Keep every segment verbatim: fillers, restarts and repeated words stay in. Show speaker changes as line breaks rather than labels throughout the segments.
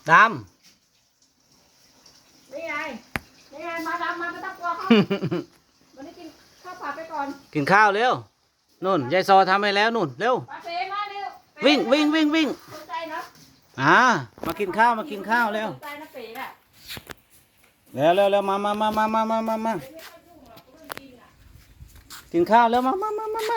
ด
นี่ไงนี่ไงมาดำมาไม่ต้องกลัวเขา
ำ
วันนี้กินข้าวผัดไปก่อน
กินข้าวเร็วนู่นยายซอทำให้แล้วนู่นเร็ว
ปลาเฟมาเร็ว
วิ่งวิ่งวิ่งวิ่ง
สนใจเนาะ
อ่ามากินข้าวมากินข้าวเร็ว
สนใจนะเป๋น่ะ
เร็วเร็วเร็วมามามามามามามามากินข้าวแล้วมามามามามา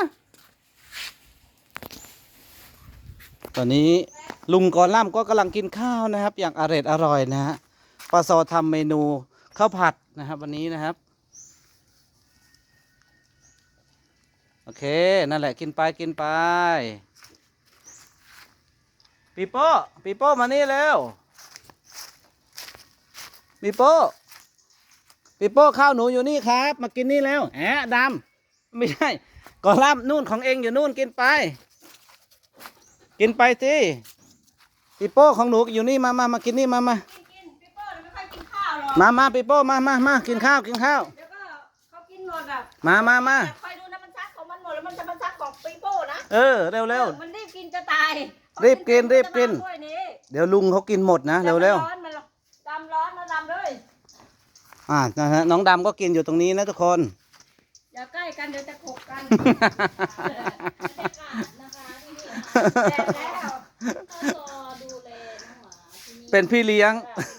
ตอนนี้ลุงกอล่ำก็กำลังกินข้าวนะครับ อย่างอร่อยอร่อยนะฮะปลาซอทำเมนูข้าวผัดนะครับวันนี้นะครับโอเคนั่นแหละกินไปกินไปปีโป้ปีโป้มานี่เร็วปีโป้ปีโป้ข้าวหนูอยู่นี่ครับมากินนี่แล้วแอะดำไม่ใช่กอล่ำนู่นของเองอยู่นู่นกินไปกินไปสิปีโป้ของหนูอยู่นี่มามามากินนี่มามา
กินกินพี่โป้ไม่ค่อยกินข้าวหรอก
มามาปีโป้มามามากินข้าวกินข้าว
เดี๋ยวก็เขากินหมดอ่ะ
มามามา
คอยดูนะมันซักของมันหมดแล้วมันจะมาซักของปีโป้นะ
เออเร็วเร็ว
มันรีบกินจะตาย
รีบกินรีบกิน
ถ้วยนี้
เดี๋ยวลุงเขากินหมดนะเร็วเร็ว
ร้อนมันดำร้อนนะดำเลย
อ่านะฮะน้องดำก็กินอยู่ตรงนี้นะทุกคน
อย่าใกล้กันเดี๋ยวจะขบกันแดดแล้ว
ดูแลน้องหมาที่นี่
เป็นพี่เลี้ยง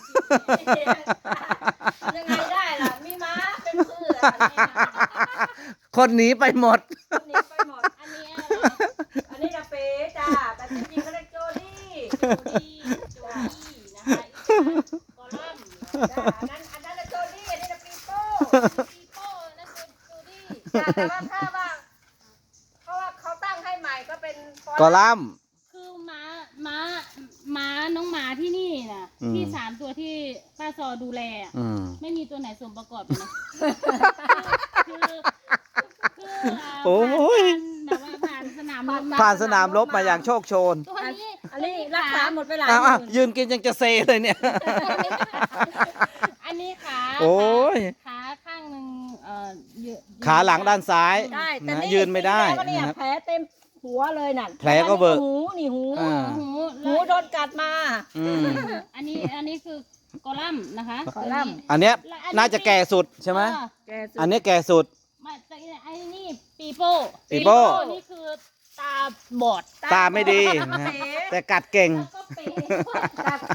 ยังไงได้ล่ะมีม้าเป็นเพื่อน
คนหนีไปหมด
อันนี้ไปหมด
อันนี้
อันนี้จะเป๊ะจ้าแต่จริงๆเขาเรียกโจดี้
โจดี้โจดี้นะคะอีกกอลัมน์
จ้าอันนั้นอันนั้นจะโจดี้อันนี้จะปีโป้
ปีโป้นั่นเป็นโจดี้
จ้าแต่ว่าถ้าว่าเพราะว่าเขาตั้งให้ใหม่ก็เป็น
กอลัมน์
คือม้าม้าม้าน้องหมาที่นี่น่ะ
อืม
ที่สามตัวที่ป้าซอดูแลอะ
อืม
ไม่มีตัวไหนสมประกอบเลยนะคือคืออ่า
โอ้ย
ผ่านแบบว่าผ่านสนามรบ
ผ่านสนามรบมาอย่างโชคโชน
ตัวนี้
อันนี้รักษาหมดไปหลาย
อ้าว
ห
อ้าว
มื่น
ยืนกินยังจะเซเลยเนี่ย
อันนี้ขา
โอ้ย
ขาข้างหนึ่งเอ่อยืน
ขาหลังด้านซ้าย
ได้แต่
นะ
นี่
ยืนไม่ได้
แล้วก็เนี่ย
นะครับ
แผลเต็มหัวเลยน่ะ
แผลก็เบิก
หูนี่หู
อ่า
หู
หูโดนกัดมา
อืม
อันนี้อันนี้คือกอลัมน์นะคะ
กอลัมน์
อันเนี้ยน่าจะแก่สุดใช่ไหม
เออ
แกสุด
อันนี้แก่สุด
มาแต่ไอ้นี่ปีโป้
ปีโป้
นี่คือตาบอด
ตาไม่ดีนะฮะแต่กัดเก่ง
แล้วก็เป๋
กัด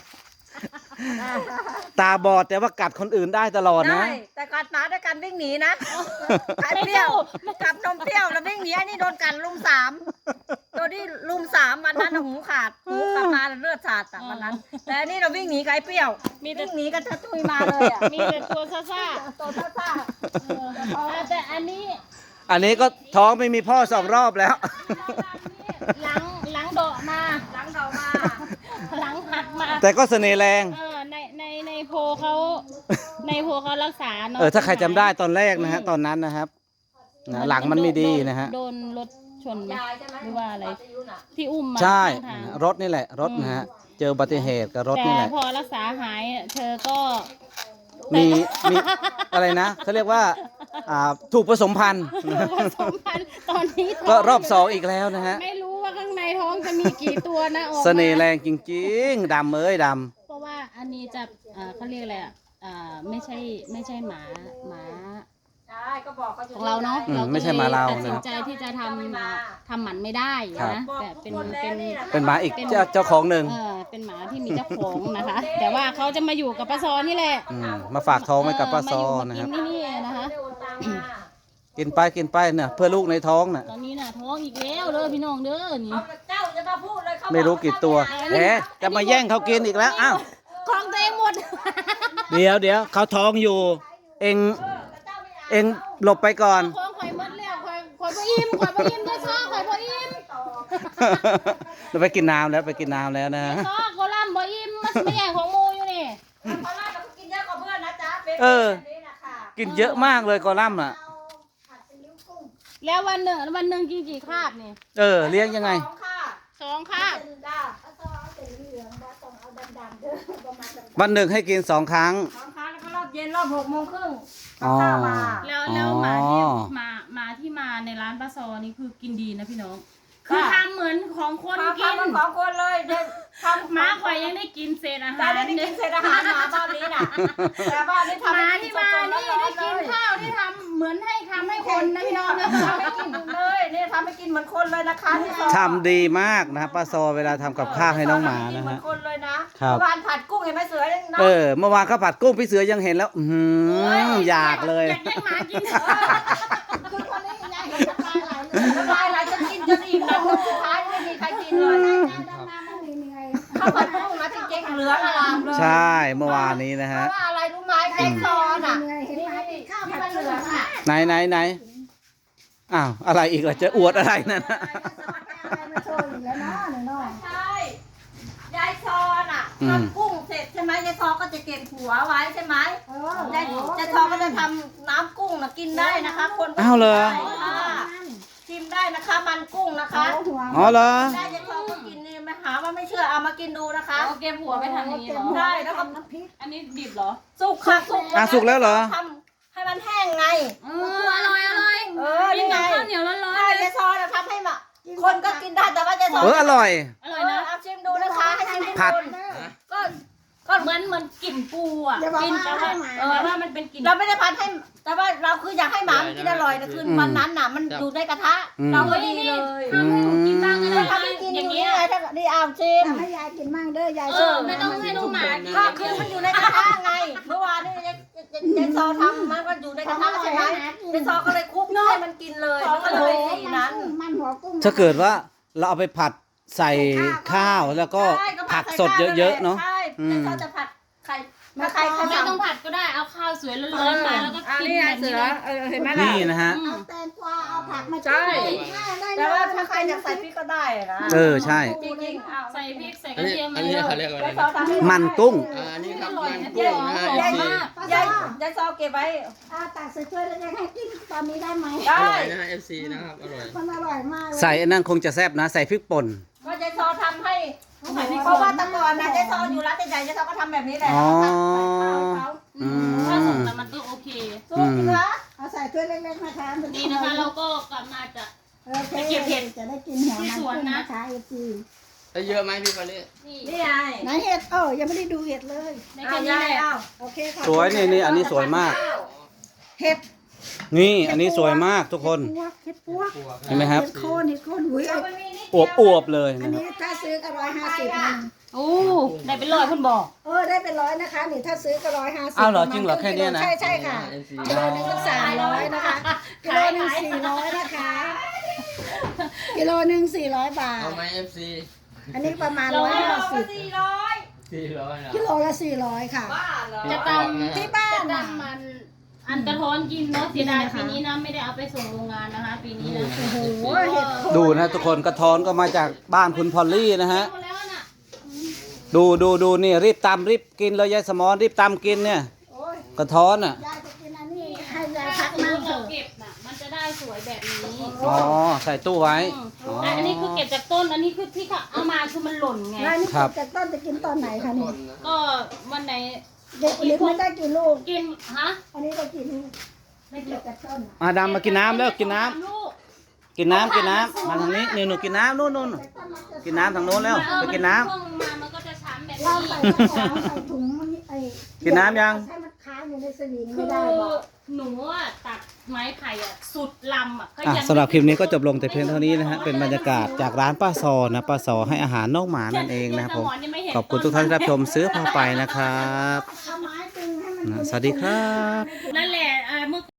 ตาบอดแต่ว่ากัดคนอื่นได้ตลอดนะ
ได้แต่กัดหมาด้วยกันวิ่งหนีนะไอ้เปรี้ยวกัดนมเปรี้ยวแล้ววิ่งหนีไอ้นี่โดนกัดลุมสามตัวที่ลุมสามวันนั้นน่ะหูขาดหูขาดมาเลือดสาดอะวันนั้น แต่อันนี่เราวิ่งหนีกับไอ้เปรี้ยววิ่งหนีกันจะตุยมาเลยอ่ะ
มีแต่ตัวซ่า
ตัวซ่า
ๆเอออ่ะแต่อันนี้
อันนี้ก็ท้องไม่มีพ่อสองรอบแล้ว
หลังหลังเดาะมา
ๆหลังเรามา
หลังหักมา
แต่ก็เสน่ห์แรง
เออในในในโพลเขาในโพลเขารักษาเนาะ
เออถ้าใครจำได้ตอนแรกนะฮะตอนนั้นนะครับนะหลังมันไม่ดีนะฮะ
โดนรถชนไหม
ยายใช่ไหม
หรือว่าอะไร
ปายุน่ะ
ที่อุ้มมา
ใช่
ข้างทาง
รถนี่แหละรถนะฮะเจออุบัติเหตุกับรถ
แต่
นี่แหละ
พอรักษาหายเธอก็
มีมีอะไรนะเขาเรียกว่าอ่าถูกผสมพันธุ์
ผสมพันธุ์ตอนนี้ท้ง
ก็รอบสองอีกแล้วนะฮะ
ไม่รู้ว่าข้างในท้องจะมีกี่ตัวนะออกมา
เสน่ห์แรงจริงๆดำเอ้ยด
เพราะว่าอันนี้จะเอ่อเขาเรียกอะไรอ่ะอ่าไม่ใช่ไม่ใช่หมาหมา
ใช่ก็บอกเขาอยู่
ของเราเนาะ
อืม
เราก็
ไม่ใช่หมาเรา
ตัดสิน
นะ
ใจที่จะทำมาทำหมันไม่ได้
ครับ
นะ
บอก
แต่
ทุก
เป็น
คนแล้
เป็
วน นี่ะ
ำเป็นหมาอีกเจ้าเจ้าของหนึ่ง
เออเป็นหมาที่มีเจ้าของนะคะ แต่ว่าเขาจะมาอยู่กับป้าซอนี่แหละ
อืมมาฝากท้องไว้กับป้าซอ
เมา
นะ
ยู่
ค
มา
รับ
กินที่นี่นะคะ
ได้โอนตังมา
กินไปกินไปเนี่ยเพื่อลูกในท้องน่ะ
ตอนนี้น่ะท้องอีกแล้วเด้อพี่น้องเด้อนี่
เอาเจ้าจะมาพูดเลยเขา
ไม่รู้กี่ตัวเอ๊ะจะมาแย่งเขากินอีกแล้วอ้าว
ของตัวเองหมด
เดี๋ยวเดี๋ยวเขาท้องอยู่ เองเองหลบไปก่อน
ของข่อยหมดแล้วข่อยข่อยบ่อิ่มข่อยบ่อิ่มได้ซ้อข่อยบ่อิ่ม
เราไปกินน้ำแล้วไปกินน้ำแล้วนะ
ซ้อโคล่ำบ่อิ่มมันไม่แย่งของหมูอยู่นี่
ตอนแรกเราก็กินเยอะกว่าเพื่อนนะจ๊ะเป็น
เออ
แบบนี้นะคะ
กินเยอะมากเลยกอลัมน์อ่ะ
ผัดซีอิ๊วกุ้ง
แล้ววันหนึ่งวันหนึ่งกินกี่คาบนี่
เออเลี้ยงยังไง
สองค่ะ
สองคาบ
เป็นจ้าเอาซอเอาสีเหลืองนะต้องเอาดำๆเด้อประมาณดำ
วันหนึ่งให้กินสองครั้ง
ๆสองครั้งแล้วก็รอบเย็นรอบหกโมงครึ่ง
อ๋อ
ข้าวมา
แล้วแล้วหมาที่
อ๋อ
หมาหมาที่มาในร้านป้าซอนี่คือกินดีนะพี่น้องคือทำเหมือนของคน
ทำ
กิน
ทำมันของคนเลยเดี๋ยวทำ
หมาข่อยยังได้กินเศษอาหาร
ได้ได้กินเศษอาหารหมาบ้านนี้น่ะแต่บ้านนี้
ห
ทำ
มา
ให้
ที่
กิ
มา
สดๆ
นี่
ร้อ
ได้
นๆ
กิน
เลย
ข้าวที่ทำเหมือนให้ทำให้คนนะพี่น้องนะ
ทำให้กินเลยนี่ทำให้กินเหมือนคนเลยนะคะที่ซอย
ทำดีมากนะครับป้าซอเวลาทำกับข้าวให้น้องหมานะ
เหมือ
ฮะ
นคนเลยนะครับ เมื่อวานผัดกุ้งเห็นไหมเสือยังนะ
เออเมื่อวานข้าวผัดกุ้งพี่เสือยังเห็นแล้ว อือหืออยากเลย
อยากให้หมากิน
คือคนนี้ยังไงน้ำลายไหลจนกินจนอิ่มแล้วคนสุดท้ายไม่มีใครกินเลยข้าวผัดกุ้งนะจริงๆเหลืองอลามเลย
ใช่เมื่อวานนี้นะ
เพ
ฮะ
ราะว่าอะไรรู้ไหมแกงซอนอ่ะ
เห็นไหมข้าว
ที่
ผั
มั
ด
น
เห
เห
ลื
ลื
อ
อง ง
อ่ะ
อ่ะ
ไหนไหนไหนอ้าวอะไรอีกล่ะจะอวดอะไรนั่นนะ
มาโชว์อีกแล้วเนาะเนาะ
ใช่ยายซอนอ่ะทำกุ้งเสร็จใช่ไหมยายซอก็จะเก็บหัวไว้ใช่ไหม
เออย
ายยายซอก็จะทำน้ำกุ้งนะกินได้นะคะคนก็
อ้าวเหรอ
กินได้ค่ะชิมได้นะคะมันกุ้งนะคะ
เอาหัว
อ๋อเหรอ
ได้ยายซอก็กินนี่ไม่หาว่าไม่เชื่อเอามากินดูนะคะ
เอาเก็บหัวไปทำอย่างนี้เหรอ
ได้แล้วก็
น้ำพริก
อันนี้ดิบเหรอ
สุกค่ะสุก
อ่ะสุกแล้วเหรอ
ทำให้มันแห้งไง
เอออร่อยอร่อย
เออ
กิน
นี่ไง
กับข้าวเหนียวร้อน
ใช่ยายซอนะทำให้มาคนก็กินได้แต่ว่ายายซอ
เอออร่อย
ๆอร่อยนะ
เเอาชิมดูนะคะให้ชิมทุก
ผัด
คนก็
ก็เหมือนเหมือนกลิ่นปูอ่ะ
อย่าบอก
กิน
ว่า
แต่ว่า
ให้หมา
เออว่ามันเป็นกลิ่น
เราไม่ได้พัดให้แต่ว่าเราคืออยากให้หมามันกินอร่อยแต่คือ
อืม
วันนั้นน่ะ มันอยู่ในกระทะ
อืม
เราก็ดีเลย
ทำให้หนูกินบ้างก็ได้
ทำให้กินอ
อย่าง
ย่าง
เงี้
นี้
ย
ไงถ้านี่เอาชิม
ทำให้ยายกินมั่งเด้อยาย
เอ
โช
อ
ว์
ไม่ต้องให้น้องหมากิน
ก็คือมันอยู่ในกระทะไง เมื่อวานนี่ยายยายยายซอทำมันก็อยู่ในกระทะใช่ไหมยายซอก็เลยคลุกให้มันกินเลยมันก็เลยเป็นสีนั้น
มันหัวกุ้ง
ถ้าเกิดว่าเราเอาไปผัดใส่ข้าวแล้วก็
ใช่
ผักสดเยอะๆเนาะ
ใช่
อืม
ยายซอจะผัดไข่ถ้าใครเขา
ไม่
สั่ง
ต้องผัดก็ได้เอาข้าวสวยร้อนๆมาแล้วก็กินแบบนี้เลย
เออเห็นไหมล่ะ
นี่นะฮะ
อื
เอา
ม
แตงกวาเอาผักมา
ใช่
ได้
แต่ว่าถ้าใครอยากใส่พริกก็ได้นะ
เออใช่
จริงๆเอา
ใส่พริกใส่ก
อั
ระ
นนี้
เทียม
อันนี้เขาเรียกว่าอะไร
ยาย
นะ
ซอทำให้
มันกุ้ง
อ่าอันนี้ครับ
อร่อย
มัน
นะ
กุ้งนะ
หอ
เอ
ม
ฟซี
มาก
ยายยายซอเก็บไว้
เอาตักใส่ถ้วยแล้วจะให้กินตอนนี้ได้ไหม
ได้
อร่อยนะเอฟซีนะครับอร่อย
มันอร่อยมากเลย
ใส่อันนั้นคงจะแซ่บนะ ใส่พริกป่น
ก็ยายซอทำให้เพราะว่าแตะก่อนนะยายซออยู่ร้านใหญ่ๆยายซอก็ทำแบบนี้แหละ
อ๋อ
เขา
อืม
ถ้าสุกแล้วมันก็โอเค
สู้จริงเหรอ
เอาใส่ถ้วยเล็กๆนะคะ
นี่นะคะเราก็กลับมาจาก
โอเคจะได้กินหัวมัน
ที่สวนนะ
นะคะเอฟซี
ได้เยอะไหมพี่วันนี้
นี่
นี่ไง
ไหนเห็ดเออยังไม่ได้ดูเห็ดเลย
ใน
เอา
แค่นี้
ยาย
แหละ
เอา
โอเคค่ะ
สวยนี่นี่อันนี้สวยมาก
เห็ด
นี่อันนี้สวยมากทุกคน
พวกเห็ดพวก
เห็นไหมครับ
เห็ดโคนเห็ดโคนหุย
เอา
เอา
ไปมีนิด
อวบอวบๆเลย
อัน
นะครับ
นี้ถ้าซื้อก็ร้อยห้าสิบนึง
โอ้ได้เป็นร้อยคุณบอก
เออได้เป็นร้อยนะคะนี่ถ้าซื้อก็ร้อยห้าสิบ
อ้าวเหรอจริงเหรอแค่เนี้ยนะ
ใช่ใช่ค่ะ
เอฟซี
กิโลหนึงก็สามร้อยนะคะกิโลหนึ่งสี่ร้อยนะคะกิโลหนึ่งสี่ร้อยบาท
เอาไหมเอฟซี
อันนี้ประมาณ
เรา
ร้อย
ให้
ห้า
เอา
สิ
ไป
บ
สี่ร้อย
สี่ร้อยนะ
กิโลละสี่ร้อยค่ะ
บ้าเหรอ
จะตำ
ที่บ้าน
จะ
น่ะ
ตำมันอันกระท้อนกินเนาะเสียดายปีนี้นะไม่ได้เอาไปส่งโรงงานนะคะ ปีนี้นะ
โอ้โหเห็ดโคน
ดูนะทุกคนกระท้อนก็มาจากบ้านคุณพอลลี่นะฮะ
หมดแล้วน่ะ
ดูดูดูนี่รีบตำรีบกินเลยยายสมอนรีบตำกินเนี่ย
โอ้ย
กระท้อนอ่ะ
ยายจะกินอันนี้ให้ยาย
ถ้า
พัก
สมม
นั่ง
ติ
เถ
เรา
อะ
เก็บน่ะมันจะได้สวยแบบนี้
อ๋อใส่ตู้ไว้
อืม
อ๋อ
แต่อันนี้คือเก็บจากต้นอันนี้คือที่เขาเอามาคือมันหล่นไง
แล้วอันนี่
ครับ
จากต้นจะกินตอนไหนคะนี่
ก็วันไหน
เด็กลิกไม่ได้กี่ลูก
กินฮะ
อันนี้ได้กี่ลูกไม่เกี่ยวกับต้นอะ
มาดำมากินน้ำแล้วกินน้ำ
ลูก
กินน้ำกินน้ำมาทางนี้นี่หนูกินน้ำนู่นนู่น
แต่ต้นมันจะ
กินน้ำทางโน้นแล้ว
เออ
ไปกินน้ำ
ช่วงมามันก็จะช้ำแบบ
เรา
นี้
ใส่กระป๋องใส่ถุงมันไอ้
กินน้ำยัง
ให้มันค้างอยู่ในสวิง
คื
ไม่
อ
ได้บอก
หนูอะตัดไม้ไผ่อะสุดลำอะก็
อ่ะ
ยัง
สำหรับคลิปนี้ก็จบลงแต่เพียงเท่านี้นะฮะเป็นบรรยากาศจากร้านป้าซอนะป้าซอให้อาหารน้องหมานั่นเองนะครับผมขอบคุณทุกท่านที่รับชมซื้อพาไปนะครับ
เอาไม้ตึงให้มันอยู่
นะ
ใน
สวัสดีครับ
นั่นแหละอ่าเมื่อ